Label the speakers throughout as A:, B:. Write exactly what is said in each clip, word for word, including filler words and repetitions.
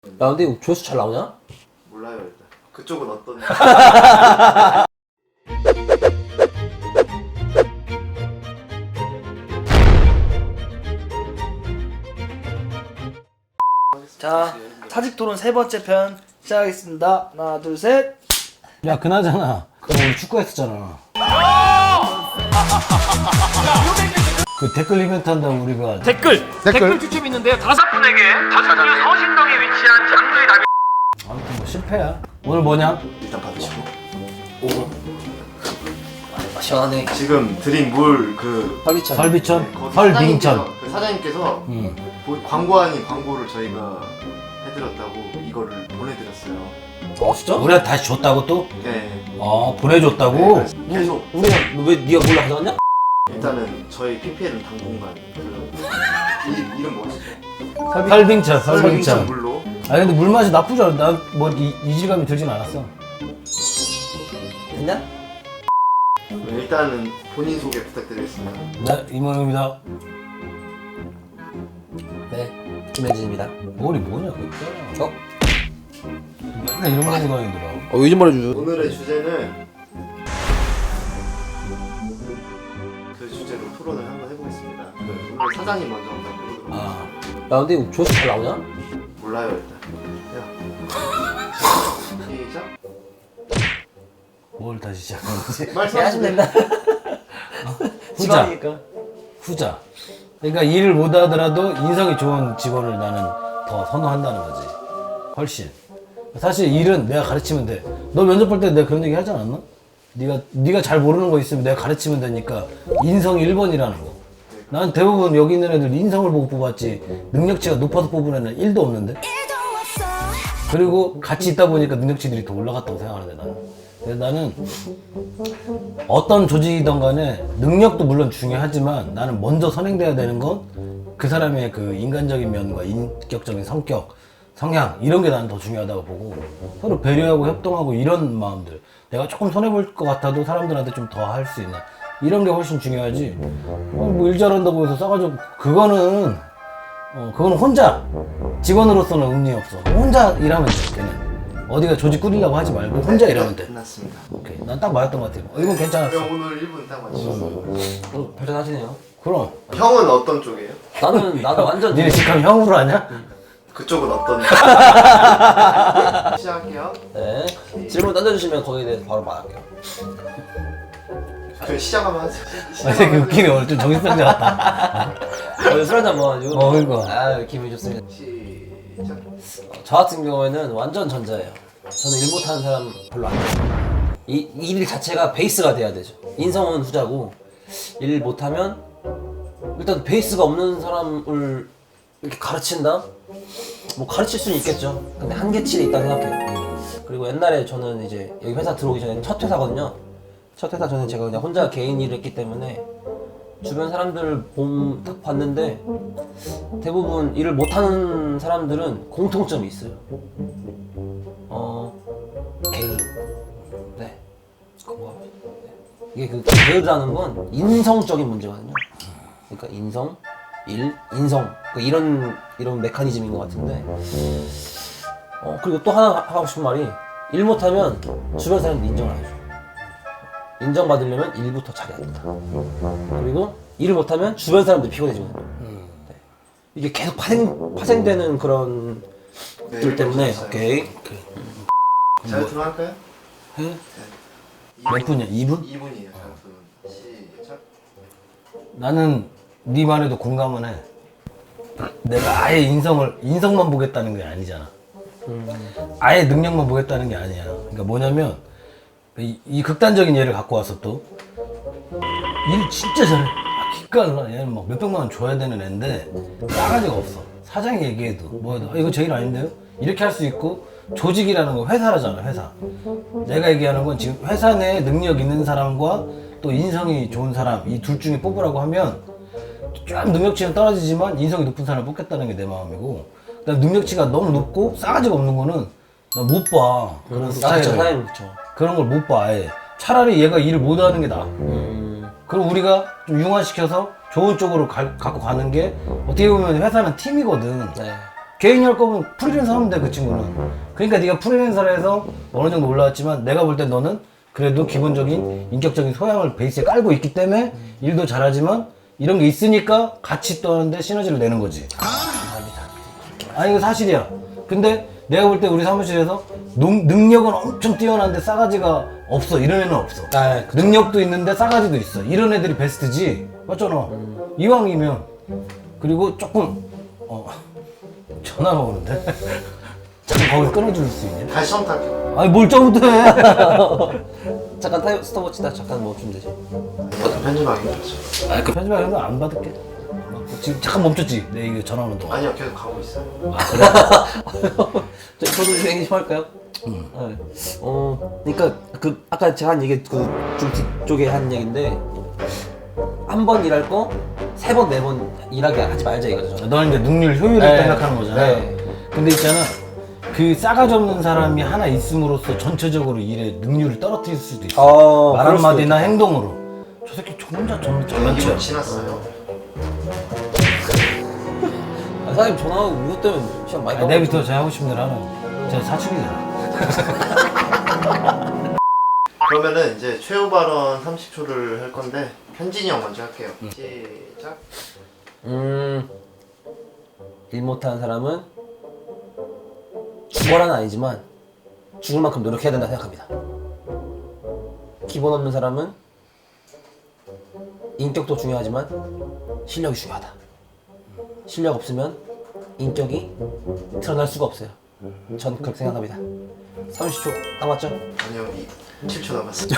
A: 야 근데 이거 조회수 잘 나오냐?
B: 몰라요 일단. 그쪽은 어떤?
C: 자, 사직 토론 세 번째 편 시작하겠습니다. 하나, 둘, 셋.
D: 야 그나저나 그 오늘 축구했었잖아. 그 댓글 이벤트 한다고 우리가
E: 댓글! 댓글 추첨이 있는데요. 다섯 분에게 전주 서신동에 위치한 장소의 답이
D: 아무튼 뭐 실패야. 오늘 뭐냐?
B: 일단 받으시고.
A: 아, 시원하네.
B: 지금 드린 물그
A: 설비천.
D: 설비천, 설빙천.
B: 그 사장님께서
D: 음.
B: 보- 광고 아닌 광고를 저희가 해드렸다고 이거를 보내드렸어요.
A: 어 진짜?
D: 우리가 다시 줬다고 또?
B: 네.
D: 아 보내줬다고?
B: 네, 계속
A: 우리가 왜 네가 몰라 가져갔냐?
B: 일단은 저희 피피엘은 당분간 그 이, 이름 뭐였죠?
D: 설빙천,
B: 설빙천
D: 설빙천.
B: 물로.
D: 아니 근데 물 맛이 나쁘지 않아. 난뭐 이질감이 들진 않았어.
A: 됐냐?
B: 네, 일단은 본인 소개 부탁드리겠습니다.
D: 네 이모입니다.
A: 네 김현진입니다.
D: 머리 뭐냐 그거 있잖아.
A: 어?
D: 맨날 이런 거 하고 다니더라.
A: 어 요즘 말해줘.
B: 오늘의 주제는 그 주제로 토론을 한번 해보겠습니다. 그 오늘 사장님 먼저 한번 해보도록
D: 아
A: 야 근데 이거 조회수 잘 나오냐?
B: 몰라요 일단. 야. 시작.
D: 뭘 다시 시작하는지.
A: 네,
B: 말씀하시면
A: 됩니다.
D: 후자.
A: 직원이니까.
D: 후자. 그러니까 일을 못하더라도 인성이 좋은 직원을 나는 더 선호한다는 거지. 훨씬. 사실 일은 내가 가르치면 돼. 너 면접 볼 때 내가 그런 얘기 하지 않았나? 네가 네가 잘 모르는 거 있으면 내가 가르치면 되니까 인성이 일 번이라는 거. 난 대부분 여기 있는 애들 인성을 보고 뽑았지 능력치가 높아서 뽑은 애는 일도 없는데. 그리고 같이 있다 보니까 능력치들이 더 올라갔다고 생각하는데 나는. 그래서 나는 어떤 조직이든 간에 능력도 물론 중요하지만 나는 먼저 선행돼야 되는 건 그 사람의 그 인간적인 면과 인격적인 성격, 성향 이런 게 나는 더 중요하다고 보고 서로 배려하고 협동하고 이런 마음들 내가 조금 손해볼 것 같아도 사람들한테 좀 더 할 수 있는 이런 게 훨씬 중요하지. 어, 뭐 일 잘한다고 해서 싸가지고 그거는 어 그거는 혼자 직원으로서는 의미 없어. 혼자 일하면 돼. 걔는 어디가 조직 꾸리려고 하지 말고 혼자 일하면 돼.
B: 끝났습니다.
D: 오케이. 난 딱 맞았던 것 같아. 어, 이건 괜찮았어.
B: 형 오늘 일 분 딱 맞추셨어요.
A: 어 발전하시네요.
D: 그럼.
B: 형은 어떤 쪽이에요?
A: 나는 나는 완전
D: 니네 직함 형으로 하냐?
B: 그쪽은 어떤? 시작할게요.
A: 네 질문 던져주시면 거기에 대해서 바로 말할게요.
B: 그 시작하면 하세요.
D: 아, 되게 웃기네. 오늘 좀 정신병자 같다.
A: 오늘 술 한잔 먹어가지고.
D: 어, 그러니까.
A: 아 기분이 좋습니다.
B: 시작.
A: 어, 저 같은 경우에는 완전 전자예요. 저는 일 못하는 사람 별로 안 좋아해요. 이, 이 일 자체가 베이스가 돼야 되죠. 인성은 후자고 일 못하면 일단 베이스가 없는 사람을 이렇게 가르친다? 뭐 가르칠 수는 있겠죠. 근데 한계치에 있다고 생각해요. 그리고 옛날에 저는 이제 여기 회사 들어오기 전에 첫 회사거든요. 첫 회사 전에 제가 그냥 혼자 개인 일을 했기 때문에 주변 사람들을 봄, 딱 봤는데 대부분 일을 못하는 사람들은 공통점이 있어요. 어, 게으름. 네. 공감합니다. 네. 이게 그 게으르다는 건 인성적인 문제거든요. 그러니까 인성, 일, 인성. 그러니까 이런, 이런 메커니즘인 것 같은데. 어, 그리고 또 하나 하고 싶은 말이 일 못하면 주변 사람들 인정을 안 해줘. 인정받으려면 일부터 잘해야 된다. 그리고 일을 못하면 주변 사람들이 피곤해지거든요. 네. 이게 계속 파생, 파생되는 그런
B: 네,
A: 들 때문에
B: 읽어주셨어요.
A: 오케이.
B: 잘 들어갈까요?
D: 해? 몇 분이야? 이 분?
B: 이 분이에요. 잘 들어갑니다. 시작.
D: 나는 네 말에도 공감은 해. 내가 아예 인성을 인성만 보겠다는 게 아니잖아. 아예 능력만 보겠다는 게 아니야. 그러니까 뭐냐면 이, 이 극단적인 예를 갖고 와서 또 일 진짜 잘해. 아, 기깔나. 얘는 막 몇백만 원 줘야 되는 애인데 싸가지가 없어. 사장이 얘기해도 뭐 해도 아, 이거 제 일 아닌데요? 이렇게 할 수 있고 조직이라는 건 회사라잖아. 회사. 내가 얘기하는 건 지금 회사 내에 능력 있는 사람과 또 인성이 좋은 사람 이 둘 중에 뽑으라고 하면 좀 능력치는 떨어지지만 인성이 높은 사람을 뽑겠다는 게 내 마음이고 나 능력치가 너무 높고 싸가지가 없는 거는 나 못 봐. 그런
A: 나도
D: 스타일을.
A: 저 사장님 그쵸.
D: 그런 걸 못 봐. 아예. 차라리 얘가 일을 못 하는 게 나아.
A: 음,
D: 그럼 우리가 좀 융화시켜서 좋은 쪽으로 가, 갖고 가는 게 어떻게 보면 회사는 팀이거든.
A: 네.
D: 개인이 할 거면 프리랜서 하면 돼, 그 친구는. 그러니까 네가 프리랜서를 해서 어느 정도 올라왔지만 내가 볼 때 너는 그래도 기본적인 인격적인 소양을 베이스에 깔고 있기 때문에 일도 잘하지만 이런 게 있으니까 같이 또 하는데 시너지를 내는 거지. 아니 이거 사실이야. 근데 내가 볼 때 우리 사무실에서 농, 능력은 엄청 뛰어난데 싸가지가 없어. 이런 애는 없어.
A: 아, 그쵸.
D: 능력도 있는데 싸가지도 있어. 이런 애들이 베스트지. 맞잖아.
A: 음.
D: 이왕이면. 그리고 조금 어 전화가 오는데 잠깐 거기서 끊어줄 수 있냐?
B: 다시 처음 탈게요.
D: 아니 뭘 처음부터 해.
A: 잠깐 타임 스톱워치다 잠깐 멈추면 되지.
B: 편집하기 힘들었어요.
D: 아그 편집하면 안 받을게. 지금 잠깐 멈췄지. 내 이거 전화 오는 동안.
B: 아니요, 계속 가고 있어요.
D: 아 그래?
A: 저, 저도 유행이 좀 할까요? 네. 어, 그러니까 그 아까 제가 한 얘기 그좀 뒤쪽에 한 얘기인데 한 번 일할 거 세 번 네 번 일하게 하지 말자 이거죠.
D: 너는 이제 능률 효율을
A: 네.
D: 생각하는 거잖아.
A: 네.
D: 근데 있잖아. 그 싸가지 없는 사람이 하나 있음으로써 전체적으로 일의 능률을 떨어뜨릴 수도 있어.
A: 어,
D: 말
A: 그럴 수도
D: 한마디나
A: 있겠다.
D: 행동으로. 저 새끼 저 혼자 전
B: 이거
D: 장난치야.
B: 지났어요.
A: 아, 사장님 전화하고 이것 때문에 시간 많이
D: 아, 내일부터 제가 하고 싶은 대로 하는. 제가 사춘기잖아.
B: 그러면은 이제 최후 발언 삼십 초를 할 건데 현진이 형 먼저 할게요. 시작.
A: 음, 일 못하는 사람은 죽어라는 아니지만 죽을 만큼 노력해야 된다 생각합니다. 기본 없는 사람은 인격도 중요하지만 실력이 중요하다. 실력 없으면 인격이 드러날 수가 없어요. 전 그렇게 생각합니다. 삼십 초 딱 맞죠?
B: 아니요, 이 칠 초 남았습니다.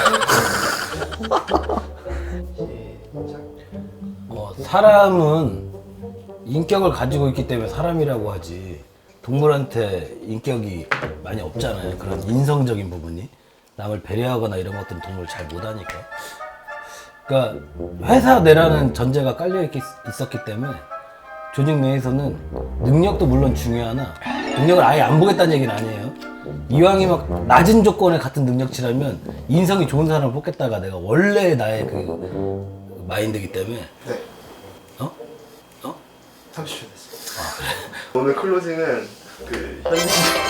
B: 시작.
D: 어, 사람은 인격을 가지고 있기 때문에 사람이라고 하지. 동물한테 인격이 많이 없잖아요. 그런 인성적인 부분이. 남을 배려하거나 이런 것들은 동물 잘 못하니까. 그러니까 회사 내라는 전제가 깔려 있, 있었기 때문에 조직 내에서는 능력도 물론 중요하나 능력을 아예 안 보겠다는 얘기는 아니에요. 이왕이면 낮은 조건의 같은 능력치라면 인성이 좋은 사람을 뽑겠다가 내가 원래 나의 그 마인드이기 때문에.
B: 네,
D: 어? 어?
B: 삼십 초 됐습니다. 오늘 클로징은 그 현진.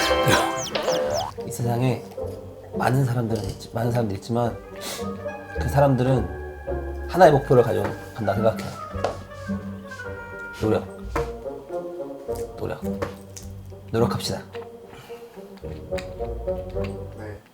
A: 이 세상에 많은 사람들은 있지, 많은 사람들이 있지만 그 사람들은 하나의 목표를 가지고 간다 생각해요. 노력, 노력, 노력합시다.
B: 네.